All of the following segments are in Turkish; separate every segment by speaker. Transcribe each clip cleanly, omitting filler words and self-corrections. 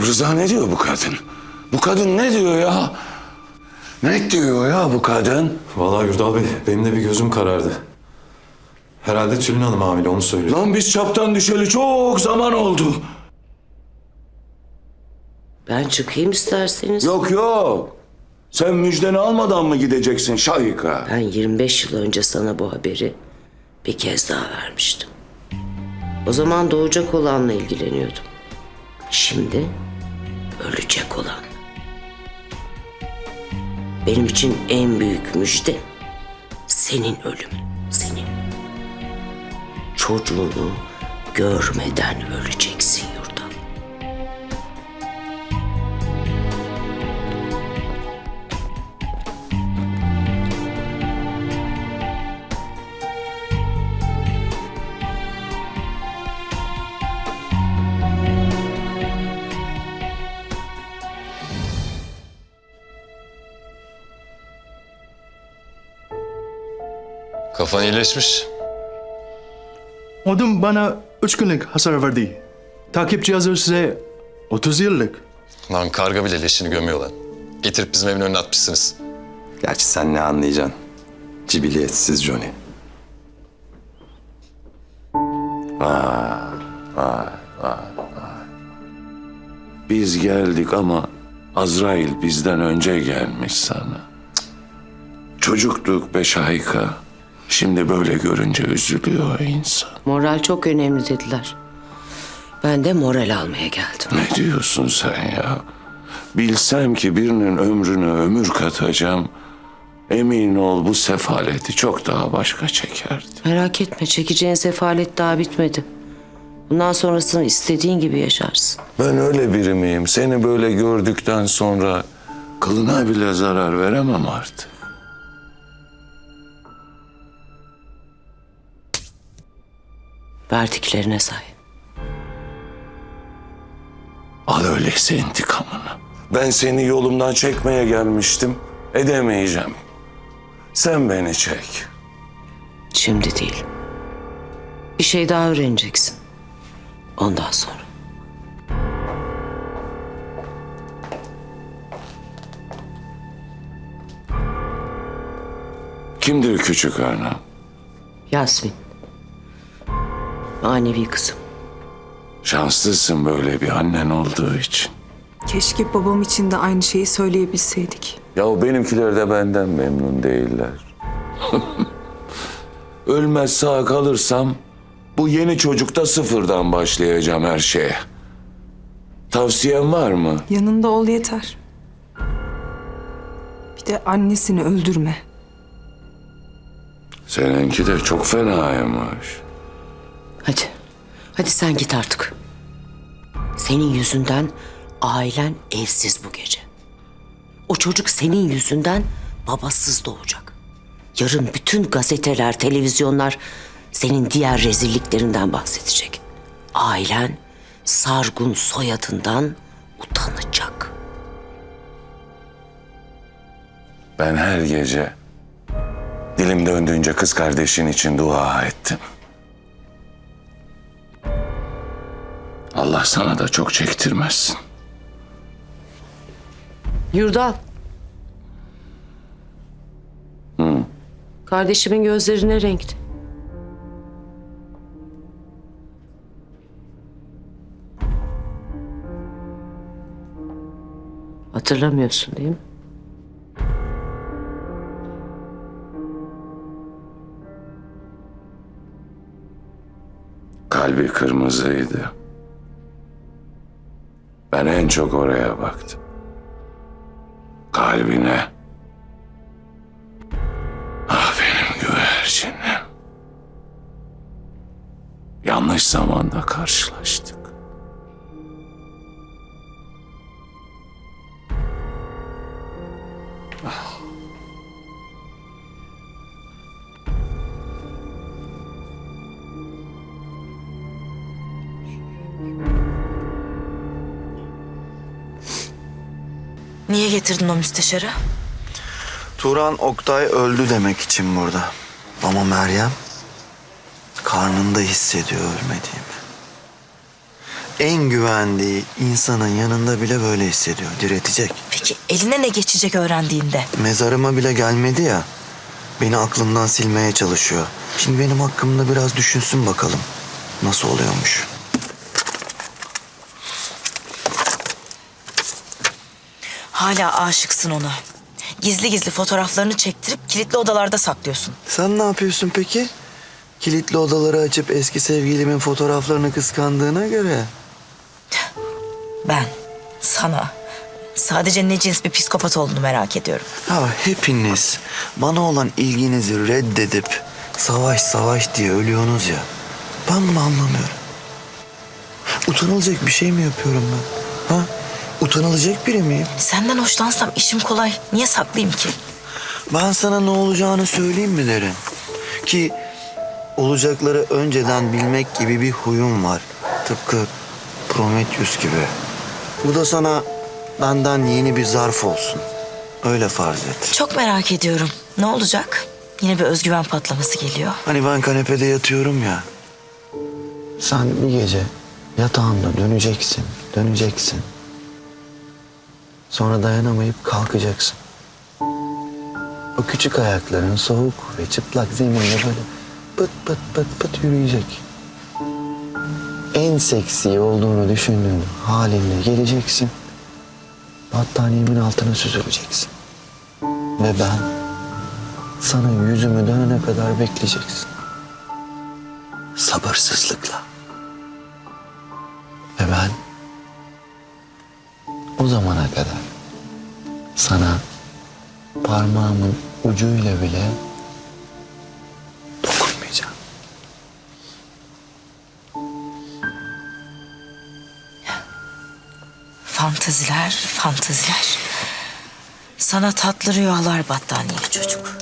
Speaker 1: Rıza ne diyor bu kadın? Bu kadın ne diyor ya? Ne diyor ya bu kadın?
Speaker 2: Vallahi Yurdal Bey, benim de bir gözüm karardı. Herhalde Tülin Hanım hamile, onu söylüyor.
Speaker 1: Lan biz çaptan düşeli çok zaman oldu.
Speaker 3: Ben çıkayım isterseniz.
Speaker 1: Yok yok. Sen müjdeni almadan mı gideceksin Şahika?
Speaker 3: Ben 25 yıl önce sana bu haberi bir kez daha vermiştim. O zaman doğacak olanla ilgileniyordum. Şimdi ölecek olan. Benim için en büyük müjde senin ölümün. Senin. Çocuğunu görmeden öleceksin Yurdal.
Speaker 4: Kafan iyileşmiş.
Speaker 5: Odun bana 3 günlük hasar verdi. Takip cihazı size 30 yıllık.
Speaker 4: Lan karga bile leşini gömüyor lan. Getirip bizim evin önüne atmışsınız.
Speaker 2: Gerçi sen ne anlayacaksın? Cibiliyetsiz Johnny.
Speaker 1: Biz geldik ama Azrail bizden önce gelmiş sana. Çocuktuk be Şahika. Şimdi böyle görünce üzülüyor insan.
Speaker 3: Moral çok önemli dediler. Ben de moral almaya geldim.
Speaker 1: Ne diyorsun sen ya? Bilsem ki birinin ömrüne ömür katacağım, emin ol bu sefaleti çok daha başka çekerdi.
Speaker 3: Merak etme, çekeceğin sefalet daha bitmedi. Bundan sonrasını istediğin gibi yaşarsın.
Speaker 1: Ben öyle biri miyim? Seni böyle gördükten sonra kılına bile zarar veremem artık.
Speaker 3: Verdiklerine say.
Speaker 1: Al öyleyse intikamını. Ben seni yolumdan çekmeye gelmiştim. Edemeyeceğim. Sen beni çek.
Speaker 3: Şimdi değil. Bir şey daha öğreneceksin. Ondan sonra.
Speaker 1: Kimdir küçük ana?
Speaker 3: Yasmin. Manevi kızım.
Speaker 1: Şanslısın böyle bir annen olduğu için.
Speaker 6: Keşke babam için de aynı şeyi söyleyebilseydik.
Speaker 1: Ya benimkiler de benden memnun değiller. Ölmez sağ kalırsam bu yeni çocukta sıfırdan başlayacağım her şeye. Tavsiyen var mı?
Speaker 6: Yanında ol yeter. Bir de annesini öldürme.
Speaker 1: Seninki de çok fenaymış.
Speaker 3: Hadi. Hadi sen git artık. Senin yüzünden ailen evsiz bu gece. O çocuk senin yüzünden babasız doğacak. Yarın bütün gazeteler, televizyonlar senin diğer rezilliklerinden bahsedecek. Ailen Sargun soyadından utanacak.
Speaker 1: Ben her gece dilim döndüğünce kız kardeşin için dua ettim. Allah sana da çok çektirmezsin.
Speaker 3: Yurdal. Kardeşimin gözleri ne renkti? Hatırlamıyorsun değil mi?
Speaker 1: Kalbi kırmızıydı. Ben en çok oraya baktım. Kalbine. Ah benim güvercinim. Yanlış zamanda karşılaştık.
Speaker 7: Niye getirdin o müsteşarı?
Speaker 8: Turan Oktay öldü demek için burada. Ama Meryem karnında hissediyor ölmediğimi. en güvendiği insanın yanında bile böyle hissediyor. Diretecek.
Speaker 7: Peki eline ne geçecek öğrendiğinde?
Speaker 8: Mezarıma bile gelmedi ya. Beni aklından silmeye çalışıyor. Şimdi benim hakkımda biraz düşünsün bakalım. Nasıl oluyormuş?
Speaker 7: Hala aşıksın ona. Gizli gizli fotoğraflarını çektirip kilitli odalarda saklıyorsun.
Speaker 8: Sen ne yapıyorsun peki? Kilitli odaları açıp eski sevgilimin fotoğraflarını kıskandığına göre.
Speaker 7: Ben sana sadece ne cins bir psikopat olduğunu merak ediyorum.
Speaker 8: Ya hepiniz bana olan ilginizi reddedip savaş savaş diye ölüyorsunuz ya. Ben bunu anlamıyorum. Utanılacak bir şey mi yapıyorum ben? Ha? Utanılacak biri miyim?
Speaker 7: Senden hoşlansam işim kolay. Niye saklayayım ki?
Speaker 8: Ben sana ne olacağını söyleyeyim mi derim? Ki olacakları önceden bilmek gibi bir huyum var. Tıpkı Prometheus gibi. Bu da sana benden yeni bir zarf olsun. Öyle farz et.
Speaker 7: Çok merak ediyorum. Ne olacak? Yine bir özgüven patlaması geliyor.
Speaker 8: Hani ben kanepede yatıyorum ya. Sen bir gece yatağında döneceksin. Sonra dayanamayıp kalkacaksın. O küçük ayakların soğuk ve çıplak zeminde böyle pıt pıt pıt pıt yürüyecek. En seksi olduğunu düşündüğün halinle geleceksin. Battaniyemin altına süzüleceksin. Ve ben sana yüzümü dönene kadar bekleyeceksin. Sabırsızlıkla. Ve ben o zamana kadar sana parmağımın ucuyla bile dokunmayacağım.
Speaker 7: Fantaziler. Sana tatlı rüyalar battaniyeli çocuk.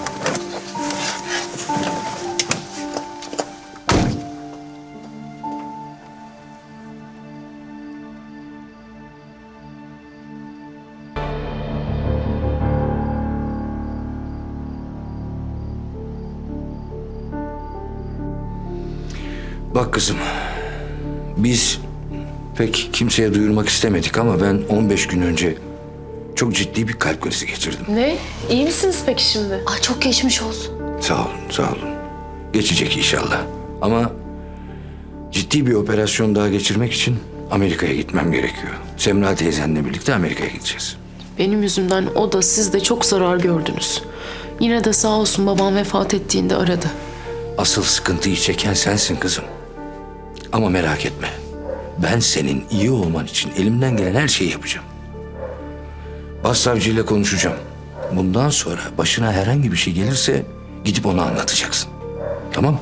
Speaker 9: Bak kızım, biz pek kimseye duyurmak istemedik ama ben 15 gün önce çok ciddi bir kalp krizi geçirdim.
Speaker 10: Ne? İyi misiniz peki şimdi?
Speaker 11: Ay çok geçmiş olsun.
Speaker 9: Sağ olun, sağ olun. Geçecek inşallah. Ama ciddi bir operasyon daha geçirmek için Amerika'ya gitmem gerekiyor. Semra teyzenle birlikte Amerika'ya gideceğiz.
Speaker 10: Benim yüzümden o da siz de çok zarar gördünüz. Yine de sağ olsun babam vefat ettiğinde aradı.
Speaker 9: Asıl sıkıntıyı çeken sensin kızım. Ama merak etme. Ben senin iyi olman için elimden gelen her şeyi yapacağım. Başsavcıyla konuşacağım. Bundan sonra başına herhangi bir şey gelirse gidip ona anlatacaksın. Tamam mı?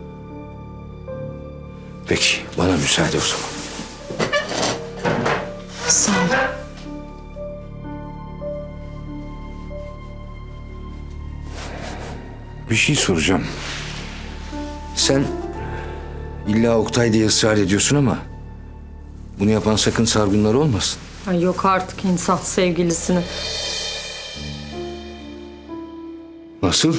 Speaker 9: Peki, bana müsaade o zaman.
Speaker 10: Sağ olun.
Speaker 9: Bir şey soracağım. Sen illa Oktay diye ısrar ediyorsun ama bunu yapan sakın Sargunlar olmasın.
Speaker 11: Ay yok artık insan sevgilisini.
Speaker 9: Nasıl?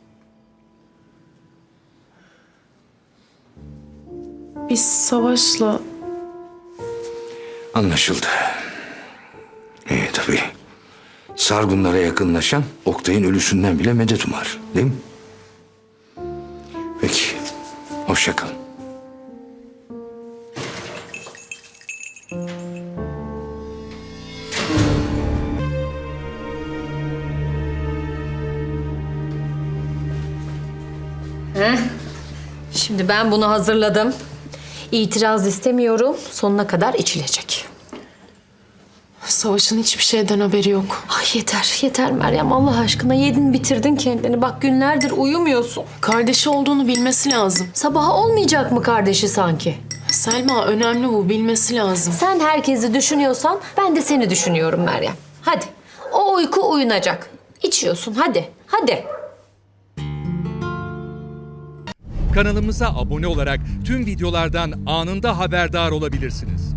Speaker 10: Biz Savaş'la
Speaker 9: Anlaşıldı. Tabii. Sargunlara yakınlaşan Oktay'ın ölüsünden bile medet umar. Değil mi? Peki. Hoşça kal.
Speaker 11: Şimdi ben bunu hazırladım. İtiraz istemiyorum. Sonuna kadar içilecek.
Speaker 10: Savaş'ın hiçbir şeyden haberi yok.
Speaker 11: Ay yeter, yeter Meryem. Allah aşkına yedin bitirdin kendini. Bak günlerdir uyumuyorsun.
Speaker 10: Kardeşi olduğunu bilmesi lazım.
Speaker 11: Sabaha olmayacak mı kardeşi sanki?
Speaker 10: Selma önemli bu, bilmesi lazım.
Speaker 11: Sen herkesi düşünüyorsan ben de seni düşünüyorum Meryem. Hadi. O uyku uyunacak. İçiyorsun hadi. Hadi.
Speaker 12: Kanalımıza abone olarak tüm videolardan anında haberdar olabilirsiniz.